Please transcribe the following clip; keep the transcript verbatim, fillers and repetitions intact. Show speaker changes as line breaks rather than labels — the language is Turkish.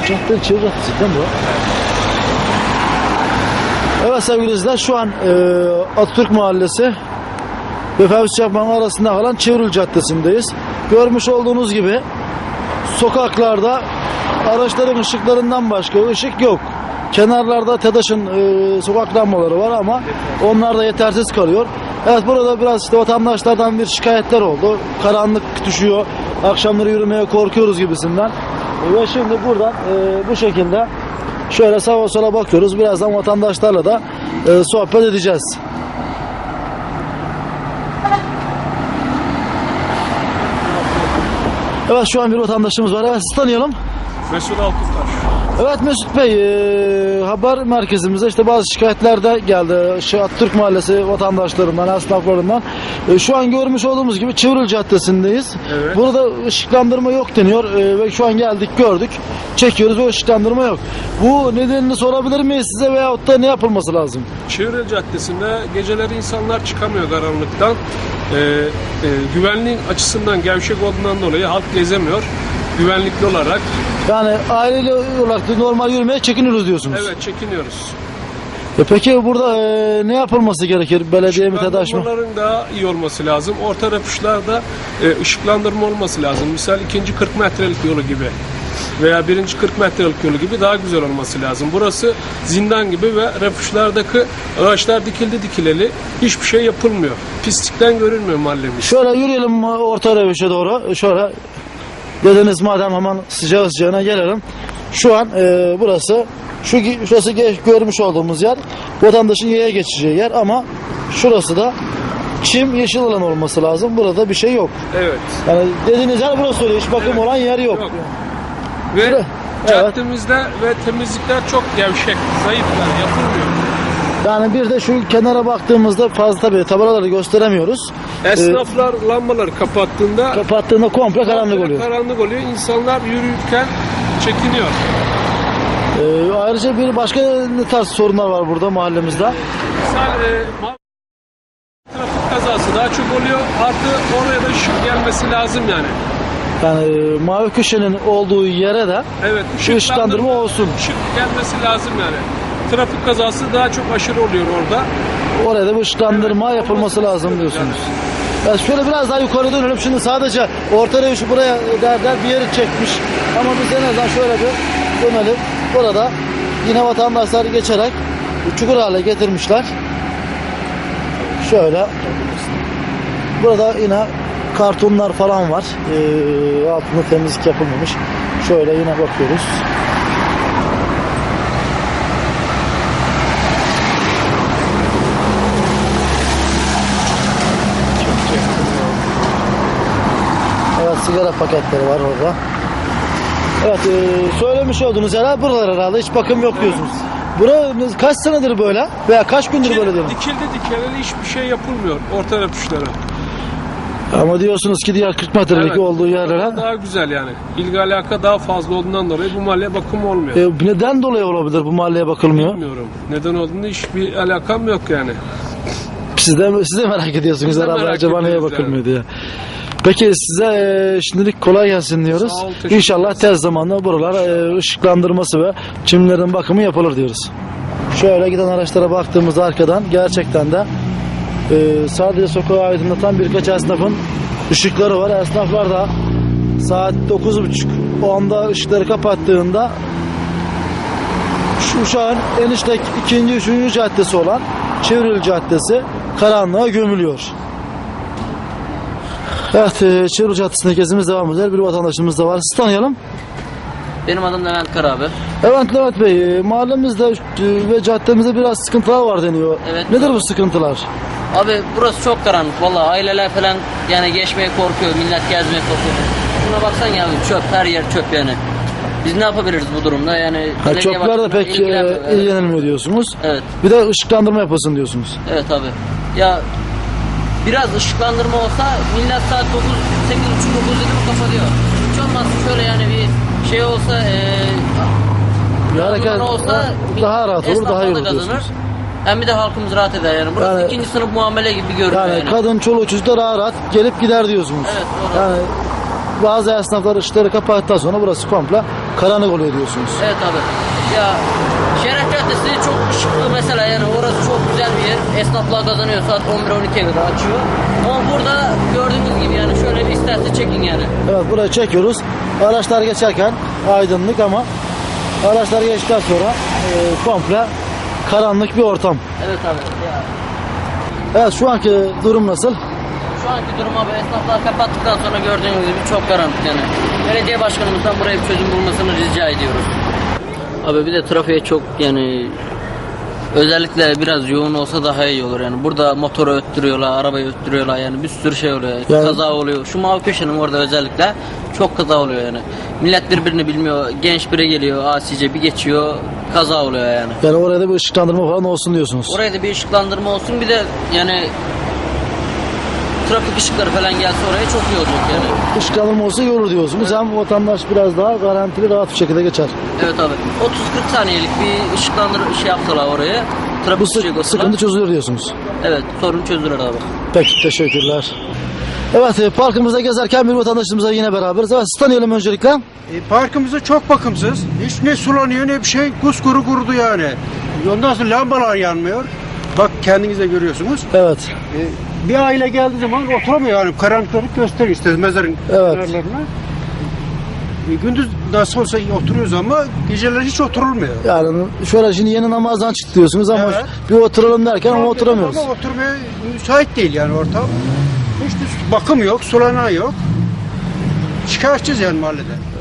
Cadde Çevre Caddesi değil mi bu? Evet sevgili izleyiciler, şu an e, Atatürk Mahallesi ve Fevzi Çakmak'ın arasında kalan Çevril Caddesi'ndeyiz. Görmüş olduğunuz gibi sokaklarda araçların ışıklarından başka ışık yok. Kenarlarda TEDAŞ'ın e, sokak lambaları var ama onlar da yetersiz kalıyor. Evet, burada biraz işte vatandaşlardan bir şikayetler oldu. Karanlık düşüyor, akşamları yürümeye korkuyoruz gibisinden. E, ve şimdi buradan e, bu şekilde şöyle sağa sola bakıyoruz. Birazdan vatandaşlarla da e, sohbet edeceğiz. Evet, şu an bir vatandaşımız var. Evet, sizi tanıyalım.
Mesut Altuntaş.
Evet Mesut Bey, e, haber merkezimize işte bazı şikayetler de geldi. Şu Atatürk Mahallesi vatandaşlarından, esnaflarından. E, şu an görmüş olduğumuz gibi Çevril Caddesi'ndeyiz.
Evet.
Burada ışıklandırma yok deniyor e, ve şu an geldik, gördük, çekiyoruz ve ışıklandırma yok. Bu nedenini sorabilir miyiz size veyahut da ne yapılması lazım?
Çevril Caddesi'nde geceleri insanlar çıkamıyor karanlıktan. Ee, e, güvenliğin açısından gevşek olduğundan dolayı halk gezemiyor. Güvenlikli olarak.
Yani aileli olarak da normal yürümeye çekiniyoruz diyorsunuz.
Evet, çekiniyoruz.
E peki burada e, ne yapılması gerekir? Belediye mi, TEDAŞ mı?
Işıklandırmaların daha iyi olması lazım. Orta refüjlerde e, ışıklandırma olması lazım. Misal ikinci kırk metrelik yolu gibi veya birinci kırk metrelik yolu gibi daha güzel olması lazım. Burası zindan gibi ve refüjlerdeki ağaçlar dikildi dikileli. Hiçbir şey yapılmıyor. Pislikten görünmüyor mahallemiz.
Şöyle yürüyelim orta refüje doğru. Şöyle dediniz, madem hemen sıcağı sıcağına gelelim. Şu an e, burası şu şurası görmüş olduğumuz yer vatandaşın yaya geçeceği yer ama şurası da çim, yeşil alan olması lazım. Burada bir şey yok.
Evet.
Yani dediğiniz yer burası öyle. Hiç bakım
Evet.
olan yer yok.
Yok. Ve
Evet.
caddemizde ve temizlikler çok gevşek, zayıflar, yapılmıyor.
Yani bir de şu kenara baktığımızda fazla tabii tabelaları gösteremiyoruz.
Esnaflar lambaları kapattığında
Kapattığında komple karanlık oluyor.
Karanlık oluyor. İnsanlar yürürken çekiniyor.
Ee, ayrıca bir başka ne tarz sorunlar var burada mahallemizde?
Misal e, ma- trafik kazası daha çok oluyor. Artı oraya da ışık gelmesi lazım yani.
Yani e, mavi köşenin olduğu yere de
Evet,
şu ışıklandırma olsun.
Işık gelmesi lazım yani. Trafik kazası daha çok aşırı oluyor orada.
Oraya da bir ışıklandırma
Evet,
yapılması
olması
lazım
istiyoruz
diyorsunuz. Ya şöyle biraz daha yukarı dönelim. Şimdi sadece orta refüjü buraya derler bir yeri çekmiş. Ama biz en azından şöyle bir dönelim. Burada yine vatandaşlar geçerek çukur hale getirmişler. Şöyle. Burada yine kartonlar falan var. Ee, altında temizlik yapılmamış. Şöyle yine bakıyoruz. Evet, sigara paketleri var orada. Evet, e, söylemiş olduğunuz yerler buralar herhalde. Hiç bakım yok diyorsunuz. Bura kaç senedir böyle? Veya kaç gündür böyle diyorum.
Dikildi dikileli hiçbir şey yapılmıyor orta refüjlere.
Ama diyorsunuz ki diğer kırk metrelik
Evet,
olduğu yerlere.
daha güzel yani. İlgi alaka daha fazla olduğundan dolayı bu mahalleye bakım olmuyor.
E, neden dolayı olabilir bu mahalleye bakılmıyor?
Bilmiyorum. Neden olduğunu hiçbir alakam yok yani.
Siz de, siz de merak ediyorsunuz
Biz de
herhalde
merak
acaba neye
ediyoruz
bakılmıyor diye. Peki size e, şimdilik kolay gelsin diyoruz.
Sağ ol, teşekkür
İnşallah tez zamanda buralar e, ışıklandırması ve çimlerin bakımı yapılır diyoruz. Şöyle giden araçlara baktığımızda arkadan gerçekten de e, sadece sokağı aydınlatan birkaç esnafın ışıkları var. Esnaflar da saat dokuz buçuk onda ışıkları kapattığında şu, şu an enişte ikinci, üçüncü caddesi olan Çevril Caddesi karanlığa gömülüyor. Evet, e, Çevril Caddesi'nde gezimiz devam eder. Bir vatandaşımız da var. Sizi tanıyalım.
Benim adım Levent Kara abi.
Evet Levent Bey, e, mahallemizde e, ve caddemizde biraz sıkıntılar var deniyor.
Evet.
Nedir bu sıkıntılar?
Abi burası çok karanlık vallahi, aileler falan yani geçmeye korkuyor, millet gezmeye korkuyor. Buna baksan ya abi, çöp, her yer çöp yani. Biz ne yapabiliriz bu durumda yani?
Ha,
belediye
çöpler de
başkanı
pek
ilgilenmiyor.
e,
Evet.
ilgilenilmiyor diyorsunuz.
Evet.
Bir de ışıklandırma yapılsın diyorsunuz.
Evet abi. Ya biraz ışıklandırma olsa millet saat dokuz, sekiz buçuk, dokuz dedi mi kapatıyor. Hiç olmazsa şöyle yani bir şey olsa eee
Bir hareket
olsa
daha rahat olur,
esnaf
daha iyi
da
olur
kazanır.
diyorsunuz.
Hem bir de halkımız rahat eder yani. Burası
Yani-
ikinci sınıf muamele gibi görünüyor
Yani,
yani.
kadın, çoluk çocuk da rahat rahat gelip gider diyorsunuz.
Evet, doğru.
Yani bazı esnaflar ışıkları kapattıktan sonra burası komple karanlık oluyor diyorsunuz.
Evet abi. Ya Şeref Caddesi çok ışıklı mesela, yani orası çok güzel bir yer. Esnaflar kazanıyor, saat on bir on ikiye kadar açıyor. Ama burada gördüğünüz gibi yani şöyle bir isterse çekin yani.
Evet, burayı çekiyoruz. Araçlar geçerken aydınlık ama araçlar geçtikten sonra e, komple karanlık bir ortam.
Evet abi. Ya.
Evet, şu anki durum nasıl?
Şu anki durum abi, esnaflar kapattıktan sonra gördüğünüz gibi çok karanlık yani. Belediye başkanımızdan buraya bir çözüm bulmasını rica ediyoruz. Abi bir de trafiğe çok yani özellikle biraz yoğun olsa daha iyi olur yani. Burada motoru öttürüyorlar, arabayı öttürüyorlar yani, bir sürü şey oluyor.
Yani-
Kaza oluyor. Şu mavi köşenin orada özellikle çok kaza oluyor yani. Millet birbirini bilmiyor. Genç biri geliyor, asice bir geçiyor, kaza oluyor yani.
Yani oraya da bir ışıklandırma falan olsun diyorsunuz.
Oraya da bir ışıklandırma olsun, bir de yani trafik ışıkları falan gelse oraya çok iyi olacak yani.
Işıklandırma olsa iyi olur diyorsunuz. Hem vatandaş biraz daha garantili, rahat bir şekilde geçer.
Evet abi. otuz kırk saniyelik bir ışıklandırma şey yapsalar oraya. Trafik
Bu
ışığı
sı-
koysalar-
sıkıntı çözülür diyorsunuz.
Evet, sorun çözülür abi.
Peki, teşekkürler. Evet, e, parkımızda gezerken bir vatandaşımızla yine beraberiz. Evet, sizi tanıyalım öncelikle.
E, parkımızda çok bakımsız. Hiç ne sulanıyor ne bir şey. Kuskuru kurudu yani. Ondan sonra lambalar yanmıyor. Bak kendiniz de görüyorsunuz.
Evet.
E, bir aile geldiği zaman oturamıyor yani. Karanlıklık gösteriyor işte mezarın
Evet.
kenarlarına. E, gündüz nasıl olsa oturuyoruz ama geceler hiç oturulmuyor.
Yani şöyle şimdi yeni namazdan çıktı diyorsunuz ama
Evet.
bir oturalım derken ama oturamıyoruz.
Ama oturmaya müsait değil yani ortam. Hiç de bakım yok, sulanan yok. Şikayetçiyiz yani mahallede.